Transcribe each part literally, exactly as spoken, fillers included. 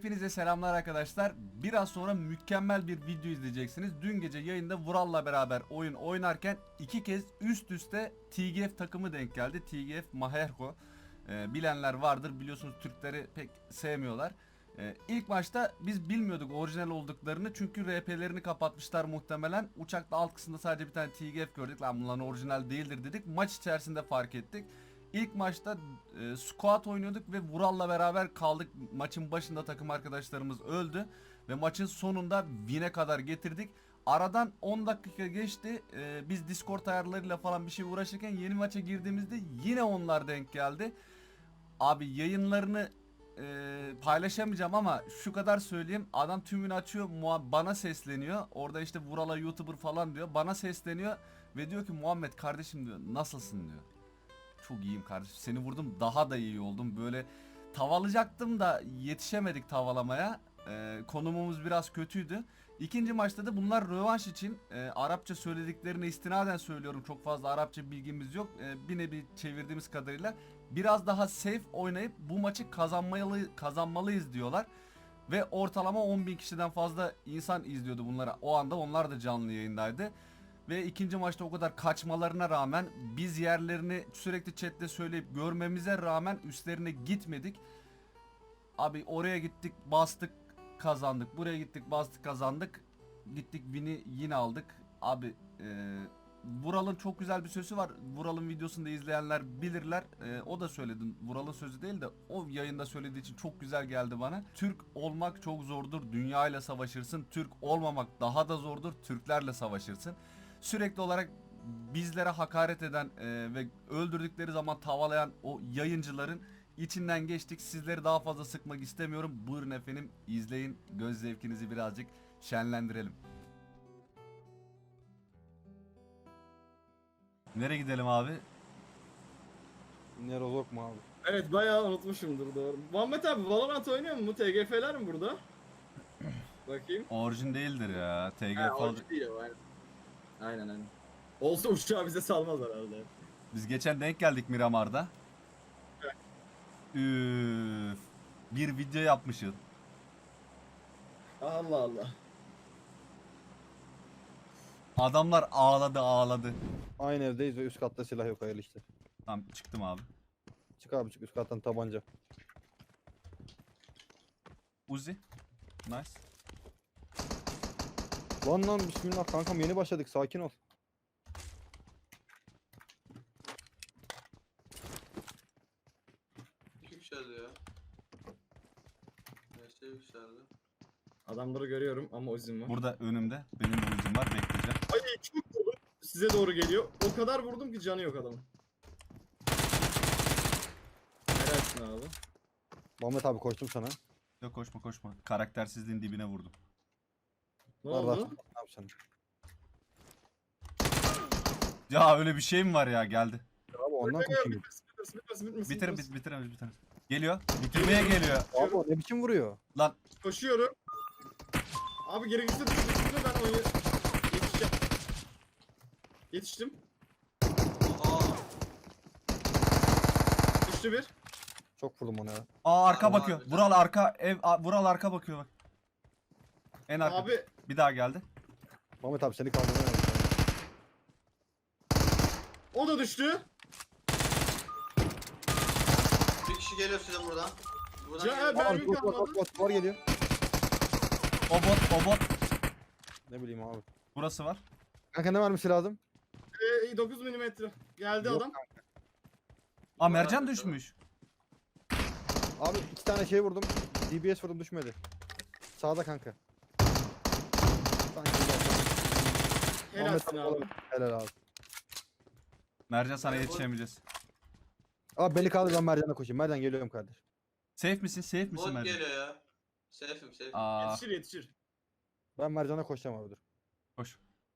Hepinize selamlar arkadaşlar. Biraz sonra mükemmel bir video izleyeceksiniz. Dün gece yayında Vural'la beraber oyun oynarken iki kez üst üste T G F takımı denk geldi. T G F Maherko. Ee, bilenler vardır. Biliyorsunuz Türkleri pek sevmiyorlar. Ee, ilk başta biz bilmiyorduk orijinal olduklarını. Çünkü R P'lerini kapatmışlar muhtemelen. Uçakta alt kısımda sadece bir tane T G F gördük. Lan bunların orijinal değildir dedik. Maç içerisinde fark ettik. İlk maçta e, squat oynuyorduk ve Vural'la beraber kaldık. Maçın başında takım arkadaşlarımız öldü ve maçın sonunda win'e kadar getirdik. Aradan on dakika geçti. E, biz Discord ayarlarıyla falan bir şey uğraşırken yeni maça girdiğimizde yine onlar denk geldi. Abi yayınlarını e, paylaşamayacağım ama şu kadar söyleyeyim. Adam tümünü açıyor, bana sesleniyor. Orada işte Vural'a YouTuber falan diyor. Bana sesleniyor ve diyor ki Muhammed kardeşim diyor, nasılsın diyor. Çok iyiyim kardeşim. Seni vurdum, daha da iyi oldum. Böyle tavalayacaktım da yetişemedik tavalamaya. Ee, konumumuz biraz kötüydü. İkinci maçta da bunlar rövanş için e, Arapça söylediklerine istinaden söylüyorum. Çok fazla Arapça bilgimiz yok. E, bir nevi çevirdiğimiz kadarıyla biraz daha safe oynayıp bu maçı kazanmalı, kazanmalıyız diyorlar. Ve ortalama on bin kişiden fazla insan izliyordu bunları. O anda onlar da canlı yayındaydı. Ve ikinci maçta o kadar kaçmalarına rağmen biz yerlerini sürekli chatte söyleyip görmemize rağmen üstlerine gitmedik. Abi oraya gittik, bastık, kazandık. Buraya gittik, bastık, kazandık. Gittik, win'i yine aldık. Abi e, Vural'ın çok güzel bir sözü var. Vural'ın videosunu da izleyenler bilirler. E, o da söyledi. Vural'ın sözü değil de o yayında söylediği için çok güzel geldi bana. Türk olmak çok zordur. Dünya ile savaşırsın. Türk olmamak daha da zordur. Türklerle savaşırsın. Sürekli olarak bizlere hakaret eden e, ve öldürdükleri zaman tavalayan o yayıncıların içinden geçtik. Sizleri daha fazla sıkmak istemiyorum. Buyurun efendim, izleyin. Göz zevkinizi birazcık şenlendirelim. Nereye gidelim abi? Nerozok mu abi? Evet bayağı unutmuşumdur doğru. Muhammed abi Valorant oynuyor mu? T G F'ler mi burada? Bakayım. Orijin değildir ya. Ha T G F o değil o aynen. Aynen aynen. Olsa uçağı bize salmaz herhalde. Biz geçen denk geldik Miramar'da. Evet. Üf. Bir video yapmışız. Allah Allah. Adamlar ağladı ağladı. Aynı evdeyiz ve üst katta silah yok, hayırlı işte. Tamam, çıktım abi. Çık abi çık, üst kattan tabanca. Uzi. Nice. Lan lan bismillah kankam, yeni başladık, sakin ol. Yükseldi ya. Neyse yükseldi. Adamları görüyorum ama uzun var. Burada önümde. Benim de uzun var, bekleyeceğim. Ay çok vurdum. Size doğru geliyor. O kadar vurdum ki canı yok adamın. Helalsin abi. Muhammed abi koştum sana. Yok, koşma koşma. Karaktersizliğin dibine vurdum. Ne Var, var. oldu? Ne yapacaksın? Ya öyle bir şey mi var ya, geldi. Abi ondan koşayım. Bitmesin, bitmesin, bitmesin, bitmesin, Bitirin bitmesin. bit bitiremez bitiremez. Geliyor. Bitirmeye geliyor. Abi o ne biçim vuruyor? Lan Koşuyorum. Abi gerekirse düşürürsün ben onu yetişeceğim. Yetiştim. Aa, Düştü bir. Çok vurdum ona ya. aa, arka Abi, bakıyor. abi. Vural arka ev a- Vural arka bakıyor bak. En arka. Abi Bir daha geldi. Muhammed abi seni kaldırmaya aldım. o da düştü. bir kişi geliyor size buradan. Buradan Ya, geliyor. ben- Abi Mermi bot bot kalmadı. bot bot var geliyor. O bot o bot. Ne bileyim abi. Burası var. Kanka ne vermesi lazım? Ee, dokuz milimetre. Geldi Yok adam. Aa, mercan düşmüş. Abi iki tane şey vurdum. D B S vurdum, düşmedi. Sağda kanka. Sanki Helalsin abi. Helal abi. Mercan, sana Evet, yetişemeyeceğiz. Abi beni kaldır, ben Mercan'a koşayım. Mercan geliyorum kardeş. Safe misin? Safe misin Bot Mercan? geliyor ya. Safe'im safe. Aa, Yetişir yetişir. Ben Mercan'a koşacağım abi, dur. koş.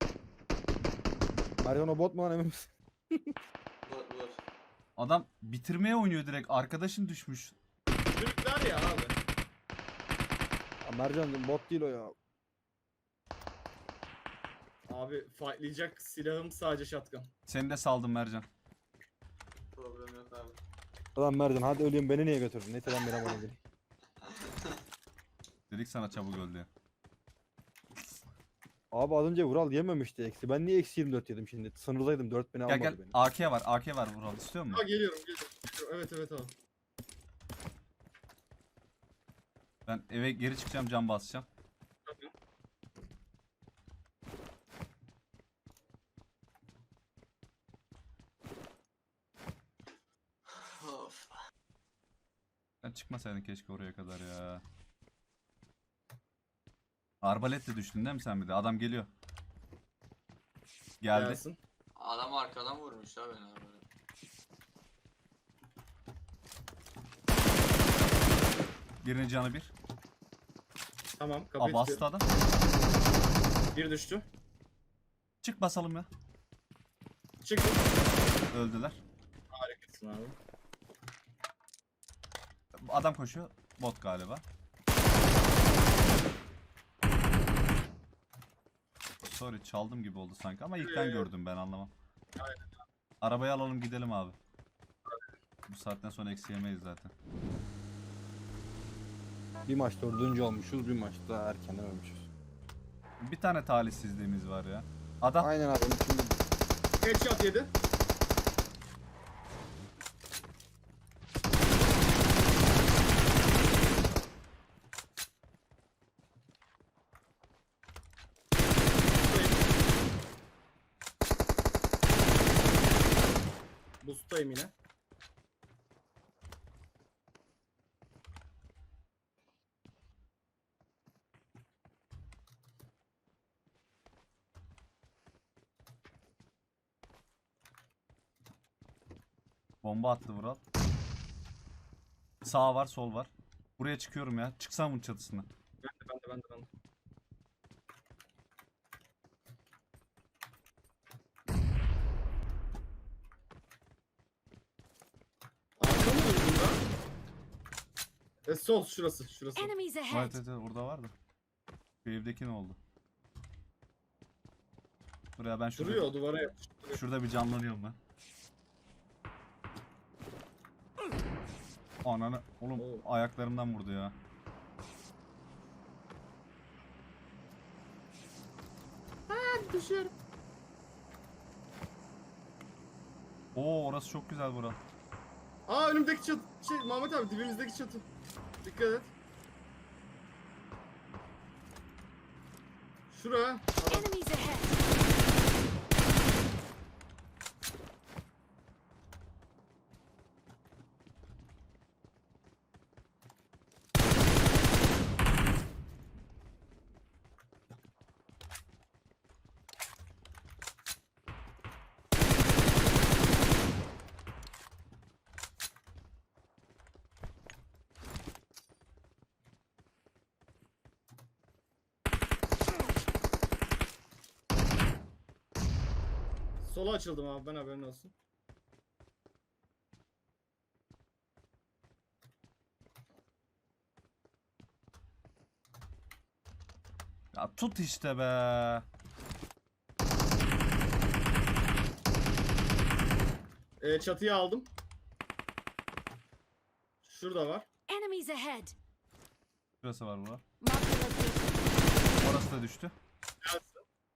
Mercan o bot mu lan, emin misin? Bot bot. Adam bitirmeye oynuyor direkt. Arkadaşın düşmüş. Türkler ya abi. Ya Mercan bot değil o ya. Abi fightlayacak silahım sadece shotgun. Seni de saldım Mercan. Problem yok abi. Ulan Mercan hadi öleyim, beni niye götürdün? Neyse ben Miramar'a geleyim. Dedik sana çabuk öl diye. Abi az önce Vural yememişti eksi. Ben niye eksi yirmi dört yedim şimdi? Sınırdaydım, dört bini Gel almadı gel. beni. A K var. A K var Vural. İstiyor Ha musun? geliyorum geliyorum. geliyorum. Evet evet abi. Ben eve geri çıkacağım, cam basacağım. Of. Sen çıkmasaydın keşke oraya kadar ya. Arbaletle düştün değil mi sen bir de? Adam geliyor. Geldi. Gelsin. Adam arkadan vurmuş ha beni abi. Birinin canı bir. Tamam Aa kapıyı bastı tutuyorum. adam. Bir düştü. Çık basalım ya. Çıktı. Öldüler. Harikasın abi. Adam koşuyor. Bot galiba. Sorry çaldım gibi oldu sanki ama ilk ben Ee, gördüm, ben anlamam. Arabayı alalım gidelim abi. Bu saatten sonra eksi yemeyiz zaten. Bir maç dördüncü olmuşuz, bir maçta erkenden ölmüşüz. Bir tane talihsizliğimiz var ya. Adam Aynen abi. Şimdi Headshot yedi. Boost'tayım yine. bomba attı Vural. Sağ var, sol var. Buraya çıkıyorum ya. Çıksam bunun çatısına. Ben de ben de ben de ben de. Arka mı vurdun lan? E sol şurası şurası. Enemies Evet ahead! evet evet, orada vardı. Şu evdeki ne oldu? Buraya ben şurada, Duruyor duvara yapıştı. şurada bir canlanıyorum ben. Ananı oğlum, Oo. ayaklarımdan vurdu ya. Düşüyorum. Oo orası çok güzel Vural. Aa önümdeki çatı. Şey Mahmut abi dibimizdeki çatı. Dikkat et. Şura. Adam. Enemies ahead! Sola açıldım abi ben haberin olsun. Ya tut işte be. Ee, çatıyı aldım. Şurada var. Enemies ahead! Şurası var Vural. Mark the location. Orası da düştü. Gelsin.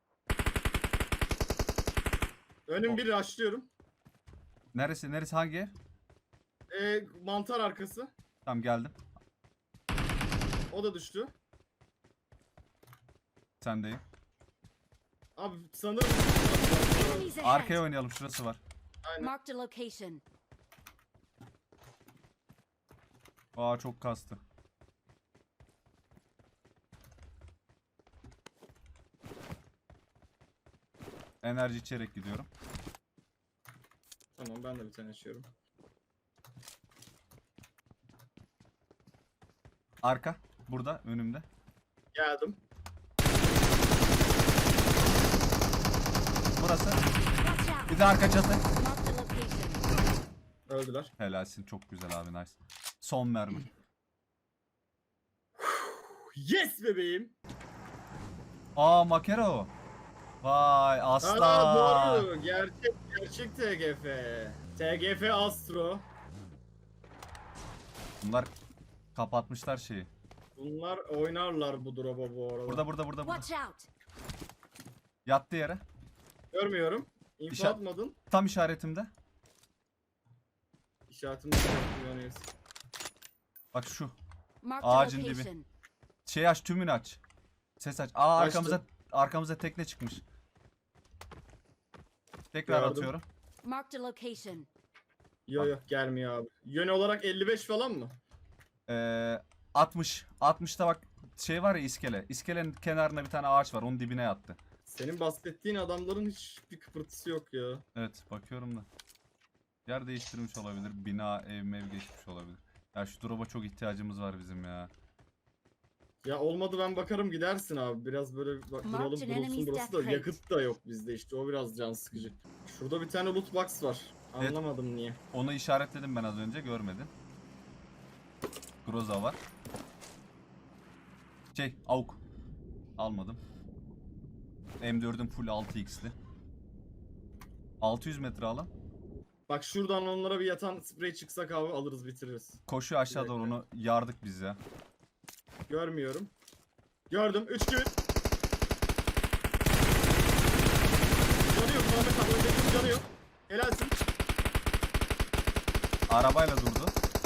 Önüm bir açlıyorum. Neresi neresi hangi ev? Ee, mantar arkası. Tamam geldim. O da düştü. Sendeyim. Abi sanırım. Enemies ahead! Arkaya oynayalım, şurası var. Aynen. Mark the location. Aa çok kastı. Enerji içerek gidiyorum. Tamam ben de bir tane açıyorum. Arka burada önümde. Geldim. Burası. Watch out! Bir de arka çatı. Mark the location. Öldüler. Helalsin, çok güzel abi, nice. Son mermi. Yes bebeğim. Aa Makero. Vay Aa aslan. doğru. Gerçek gerçek T G F. T G F Astro. Bunlar kapatmışlar şeyi. Bunlar oynarlar bu drop'a bu arada. Burada burada burada burada. Watch out. Yattı yere. Görmüyorum. İnfo İşaret- atmadın. Tam işaretimde. İşaretimi kullanıyoruz. Bak şu. Marked a Ağacın dibi. location. Şey aç, tümünü aç. Ses aç. Aa, Açtım. arkamıza arkamıza tekne çıkmış. Tekrar Gördüm. atıyorum. Marked a location. Yo yo gelmiyor abi. Yön olarak elli beş falan mı? Ee, altmış. altmışta bak şey var ya, iskele. İskelenin kenarında bir tane ağaç var. Onun dibine yattı. Senin bahsettiğin adamların hiçbir kıpırtısı yok ya. Evet, bakıyorum da. Yer değiştirmiş olabilir. Bina, ev mev geçmiş olabilir. Ya şu drop'a çok ihtiyacımız var bizim ya. Ya olmadı ben bakarım gidersin abi. Biraz böyle bak, Marked duralım an durulsun enemy's burası da. death rate. Yakıt da yok bizde işte. O biraz can sıkıcı. Şurada bir tane loot box var. Evet. Anlamadım niye. Onu işaretledim ben az önce, görmedin. Groza var. Şey, AUK. Almadım. M dördüm full altı x'li. altı yüz metre alan. Bak şuradan onlara bir yatan sprey çıksak abi alırız bitiririz. Koşuyor aşağı Bir doğru, dakika. onu yardık biz ya. Görmüyorum. Gördüm. üç gün. Canı yok Muhammed abi. Öndekinin canı yok. Helalsin. Arabayla durdu.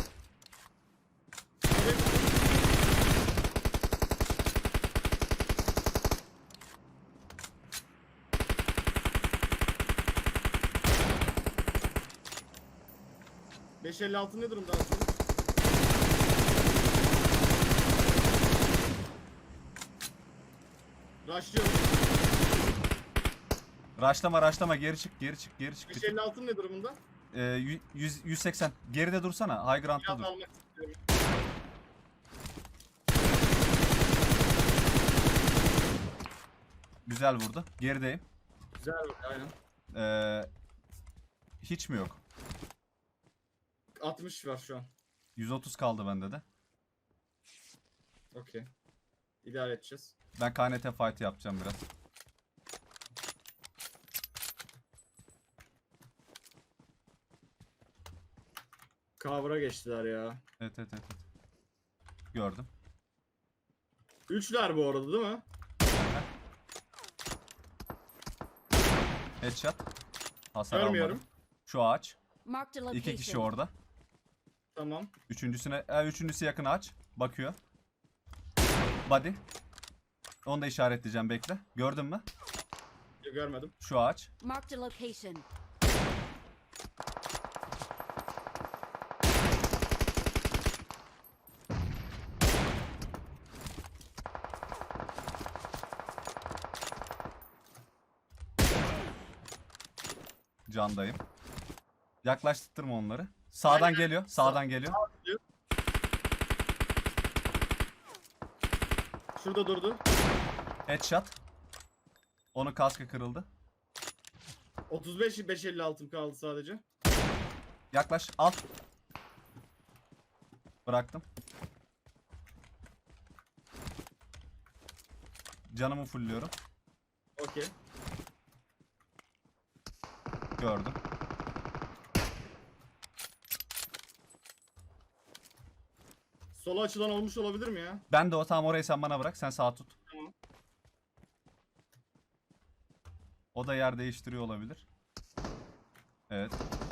Evet. beş elli altı ne durumda aslında? Rushlıyorum. Raşlama raşlama, geri çık geri çık geri çık. beş elli altı ne durumunda? Ee, yü- yüz, yüz seksen. Geride dursana. High ground'da Biraz dur. almak istiyorum. Güzel vurdu. Gerideyim. Güzel bak aynen. Ee, hiç mi yok? altmış var şu an. yüz otuz kaldı bende de. Okey. İdare edeceğiz. Ben K N T fight yapacağım biraz. Cover'a geçtiler ya. Evet evet evet. evet. Gördüm. Üçler bu arada değil mi? Headshot. Hasar Görmüyorum. almadım. Şu ağaç. Marked a location. İki kişi orada. Tamam. Üçüncüsüne, e, üçüncüsü yakın ağaç. Bakıyor. Body. Onu da işaretleyeceğim, bekle. Gördün mü? Görmedim. Şu ağaç. Marked a location. Candayım. Yaklaştırma onları. Sağdan Aynen. geliyor. Sağdan geliyor. Şurada durdu. Headshot. Onun kaskı kırıldı. otuz beş beş elli altım kaldı sadece. Yaklaş. Al. Bıraktım. Canımı fullliyorum. Okey. Gördüm. Sola açılan olmuş olabilir mi ya? Ben de o, tamam, orayı sen bana bırak. Sen sağ tut. Tamam. O da yer değiştiriyor olabilir. Evet.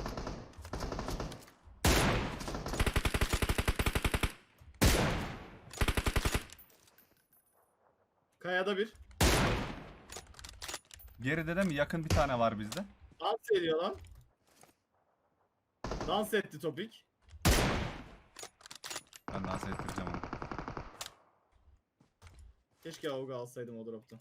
Kayada bir. Geride de mi? Yakın bir tane var bizde. Dans ediyor lan. Dans etti topik. Ben dans ettireceğim onu. Keşke Auga alsaydım o dropta.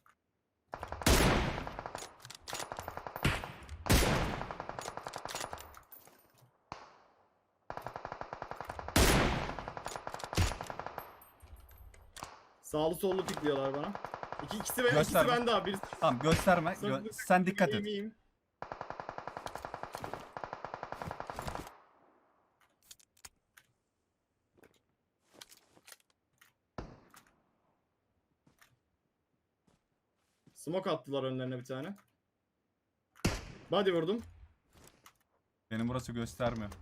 Sağlı sollu pikliyorlar bana. İki, ikisi, ben, ikisi Gösterme. bende abi. Birisi Tamam, gösterme. Gö- sen dikkat et. İyiyim, iyiyim. Smoke attılar önlerine bir tane. Body vurdum. Benim burası göstermiyor.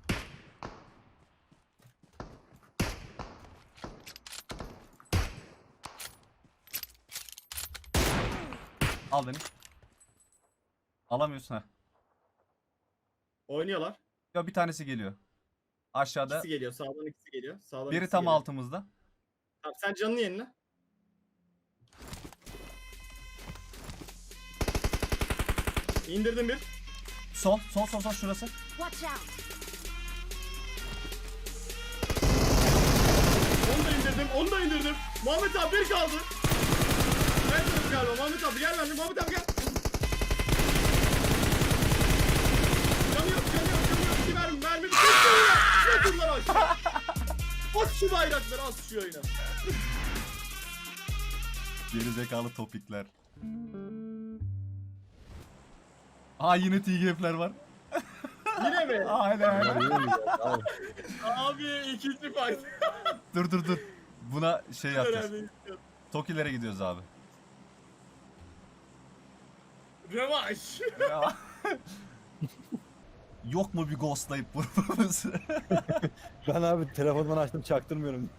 Al beni. Alamıyorsun ha. Oynuyorlar. Ya bir tanesi geliyor. Aşağıda. İkisi geliyor. Sağdan ikisi geliyor. Sağdan Biri ikisi tam geliyor. altımızda. Tamam, sen canını yenile. İndirdim bir. Sol, sol, sol, sol şurası. Watch out! Onu da indirdim. Onu da indirdim. Muhammed abi bir kaldı. Evet galiba. Muhammed abi gel bende. Muhammed abi gel. Canı yok, canı yok, canı yok. İki mermi, mermi. Bir tek Yatın lan aşağı. At şu bayrakları, at şu yayına. Geri zekalı topikler. Aa yine T G F'ler var. Yine mi? Aynen. Bunlar iyi mi ya? Abi. Abi ikinci fight. Dur dur dur. Buna şey yapacağız. Önemli. Tokilere gidiyoruz abi. Rövanş. Ya. Yok mu bir ghostlayıp vurmamız? Ben abi telefondan açtım çaktırmıyorum.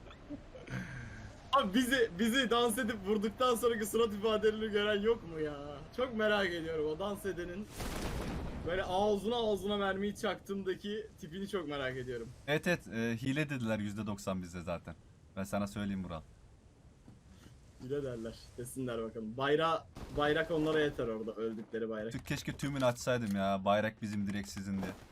Abi bizi bizi dans edip vurduktan sonraki surat ifadelerini gören yok mu ya? Çok merak ediyorum o dans edenin böyle ağzına ağzına mermiyi çaktığındaki tipini çok merak ediyorum. Evet evet e, hile dediler yüzde doksan bizde zaten. Ben sana söyleyeyim Vural. Bile derler. Desinler bakalım. Bayra bayrak onlara yeter orada öldükleri bayrak. Tü- Keşke tümünü açsaydım ya. Bayrak bizim direkt sizin diye.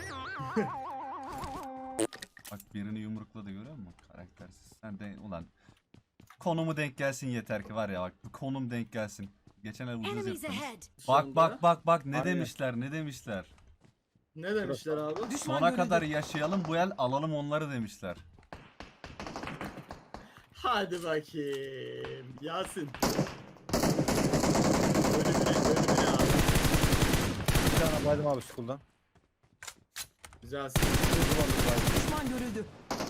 Bak birini yumrukladı görüyor musun? Karaktersiz. Sen de ulan. Konumu denk gelsin yeter ki var ya bak. Bu konum denk gelsin. Geçen ay ucuz Enemies yaptınız. ahead! Şu Bak anda- bak bak bak ne Aynen. demişler ne demişler. Ne demişler abi? Sona kadar yaşayalım bu el alalım onları demişler. Hadi bakayım. Yasin. Ölümüne ölümüne abi. Bir tane baydım abi school'dan. Güzelsin. Düşman görüldü.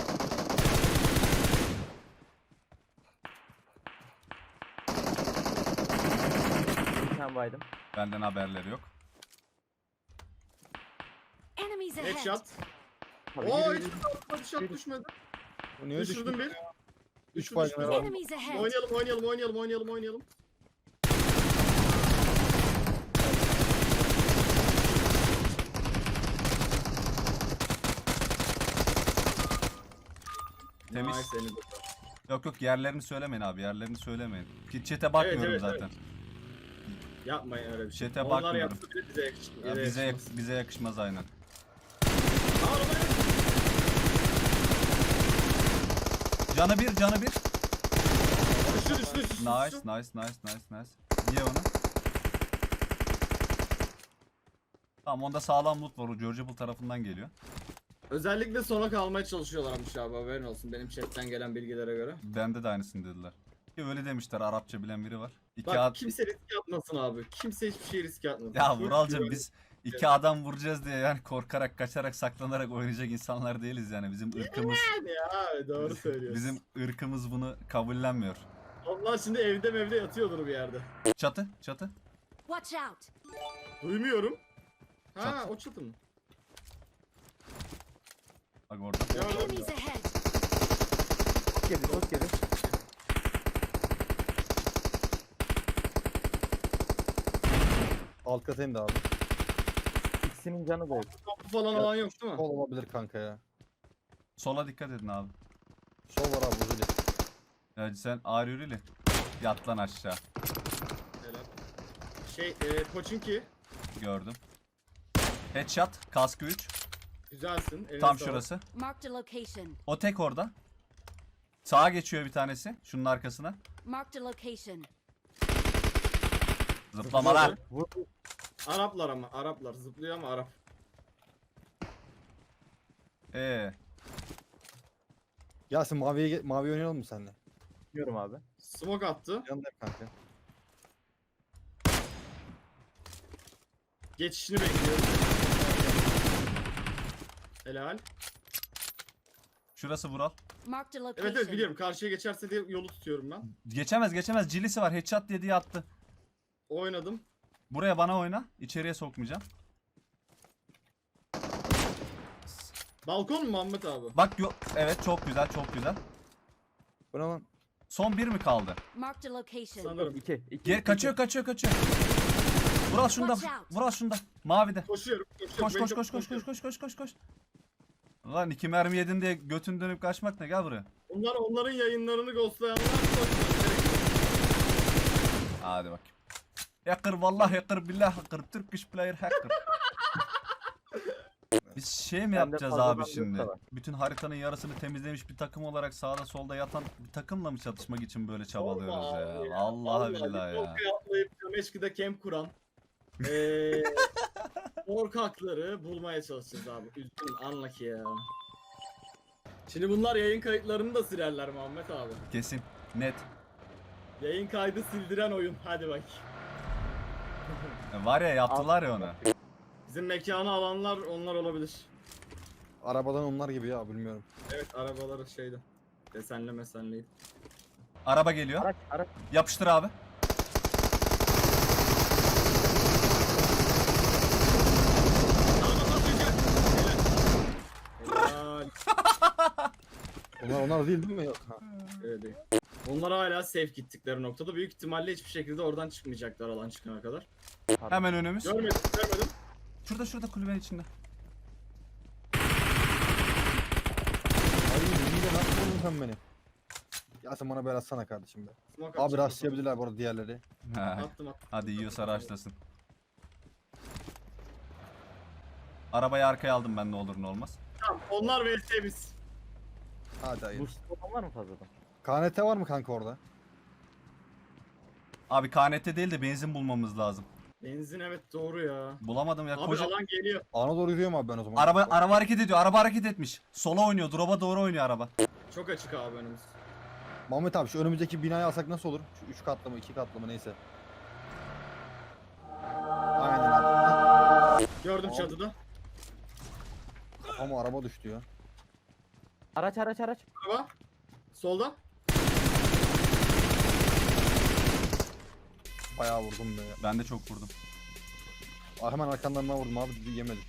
Bir tane baydım. Benden haberleri yok. Enemies ahead! Headshot. Tabii Oo yürü, hiç yürü. bir shot düşmedi. Bu niye Düşürdüm düştü? bir. Üç Düştü, baydım düştü. herhalde. Enemies ahead! Oynayalım oynayalım oynayalım oynayalım oynayalım. Temiz. Nice, elinize Yok yok yerlerini söylemeyin abi yerlerini söylemeyin. Ki chat'e bakmıyorum evet, zaten. Yapmayın öyle bir şey. Chat'e Onlar bakmıyorum. yapsa bile bize yakışmaz. Ya bize yak- bize yakışmaz aynen. Aa, arabaya- Canı bir canı bir. Düştü düştü düştü. Nice düştü. nice nice nice nice. Ye onu. Tamam onda sağlam loot var o Georgeable tarafından geliyor. Özellikle sona kalmaya çalışıyorlarmış abi, haberin olsun benim chatten gelen bilgilere göre. Bende de aynısını dediler. Ki öyle demişler Arapça bilen biri var. İki Bak ad- kimse riske atmasın abi. Kimse hiçbir şey riske atmasın. Ya Full Vuralcım güven- biz iki adam vuracağız diye yani korkarak kaçarak saklanarak oynayacak insanlar değiliz yani bizim ırkımız Yani ya doğru söylüyorsun. bizim ırkımız bunu kabullenmiyor. Onlar şimdi evde mevde yatıyordur bir yerde. Çatı çatı. Watch out! Duymuyorum. Ha Çat. o çatı mı? Bak orada. Gördüm. Enemies ahead! Çok geri çok geri. Alt katayım da abi. İkisinin canı da yok. Kapı falan olan yok değil mi? Sol olabilir kanka ya. Sola dikkat edin abi. Sol var abi uzun. Ya sen ağır yürüyle. Yat lan aşağı. Helal. Şey e, Pochinki. Gördüm. Headshot. Kaskı üç. Güzelsin. eline Tam sağlık. şurası. Marked a location. O tek orada. Sağa geçiyor bir tanesi. Şunun arkasına. Marked a location. Zıplamalar. Vur. Araplar ama Araplar zıplıyor ama Arap. Ee, Yasin maviye ge- mavi oynayalım mı seninle? Biliyorum abi. Smoke attı. Yanındayım kanka. Geçişini bekliyorum. Helal. şurası Vural. Marked a Evet location. evet biliyorum. Karşıya geçerse diye yolu tutuyorum ben. Geçemez geçemez. Cilisi var. Headshot diye diye attı. Oynadım. Buraya bana oyna. İçeriye sokmayacağım. Balkon mu Muhammed abi? Bak yok. Evet çok güzel çok güzel. Bu ne lan? Son bir mi kaldı? Marked a location. Sanırım. İki. iki Gel iki, kaçıyor iki. kaçıyor kaçıyor. Vural şunda. Watch out. Vural şunda. Mavide. Koşuyorum. koşuyorum. Koş Beni koş çok koş koş koş koşuyorum. koş koş koş koş. Lan iki mermi yedin diye götün dönüp kaçmak ne, gel buraya. Bunlar onların yayınlarını ghostlayanlar. koşuyor. Hadi bakayım. Hacker vallahi hacker billah hacker Turkish player hacker. Biz şey mi Bende yapacağız fazladan abi yok şimdi? da var. Bütün haritanın yarısını temizlemiş bir takım olarak sağda solda yatan bir takımla mı çatışmak için böyle çabalıyoruz Sorma ya? abi Vallahi billahi ya. Tokyo'ya atlayıp Kameşki'de camp kuran eee korkakları bulmaya çalışacağız abi. Üzgünüm, anla ki ya. Şimdi bunlar yayın kayıtlarını da silerler Muhammed abi. Kesin. Net. Yayın kaydı sildiren oyun. Hadi bak. E, Var ya yaptılar ya onu. Bizim mekanı alanlar onlar olabilir. Arabadan onlar gibi ya, bilmiyorum. Evet, arabaları şeydi. Desenle mesenleydi. Araba geliyor. Araç araç. Yapıştır abi. Helal. Onlar onlar değil değil mi? Yok. Ha. Evet, değil. Onlar hala safe gittikleri noktada. Büyük ihtimalle hiçbir şekilde oradan çıkmayacaklar alan çıkana kadar. Hemen önümüz. Görmedim, görmedim. Şurada şurada kulübenin içinde. Ay yine nasıl buldun sen beni? Ya sen bana biraz atsana kardeşim be. Smoke Abi atacağım. rastlayabilirler bu arada diğerleri. Ha, Attım attım. Hadi yiyorsa raşlasın. Arabayı arkaya aldım ben, ne olur ne olmaz. Tamam, onlar ve biz. Hadi hayır. Boost olan var mı fazladan? K N T var mı kanka orada? Abi K N T değil de benzin bulmamız lazım. Benzin evet doğru ya. Bulamadım ya. Abi Koca... alan geliyor. Ana doğru yürüyorum abi ben o zaman. Araba araba hareket ediyor. Araba hareket etmiş. Sola oynuyor. Drop'a doğru oynuyor araba. Çok açık abi önümüz. Muhammed abi şu önümüzdeki binayı alsak nasıl olur? Şu üç katlı mı iki katlı mı neyse. Aynen abi. Gördüm Abi. çatıda. Kafama araba düştü ya. Araç araç araç. Araba. Solda. Bayağı vurdum be ya. Ben de çok vurdum. Ah, hemen arkandan ben vurdum abi, yemedim.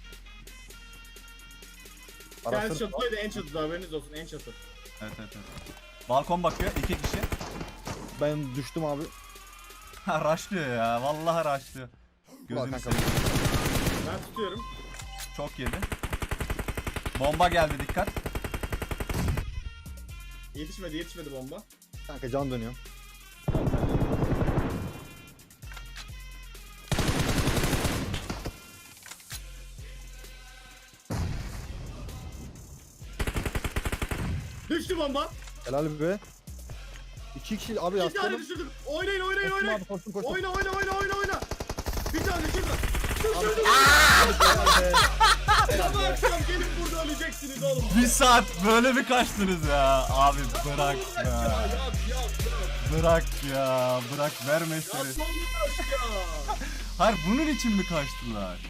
Kendisi Araçları... çatıdaydı, en çatıda, haberiniz olsun, en çatı. Evet evet evet. Balkon bakıyor. iki kişi. Ben düştüm abi. Ha raşlıyor ya. Vallahi raşlıyor. Ulan Gözünü kanka. seveyim. Ben tutuyorum. Çok yedi. Bomba geldi, dikkat. Yetişmedi, yetişmedi bomba. Kanka can dönüyor. Düştü bomba. Helal be. İki kişi abi Bir tane yaslanım. düşürdüm. Oynayın, oynayın, Koştum oynayın. abi koştum koştum. Oyna, oyna, oyna, oyna, oyna. Bir tane düşürdüm. Düşürdüm. Helal be. Sabah akşam gelip burada öleceksiniz oğlum. Bir saat böyle mi kaçtınız ya? Abi bırak Ya, ya. yap, yap, yap. Bırak ya. Bırak verme Ya seni. son bir taş ya. Hayır bunun için mi kaçtılar?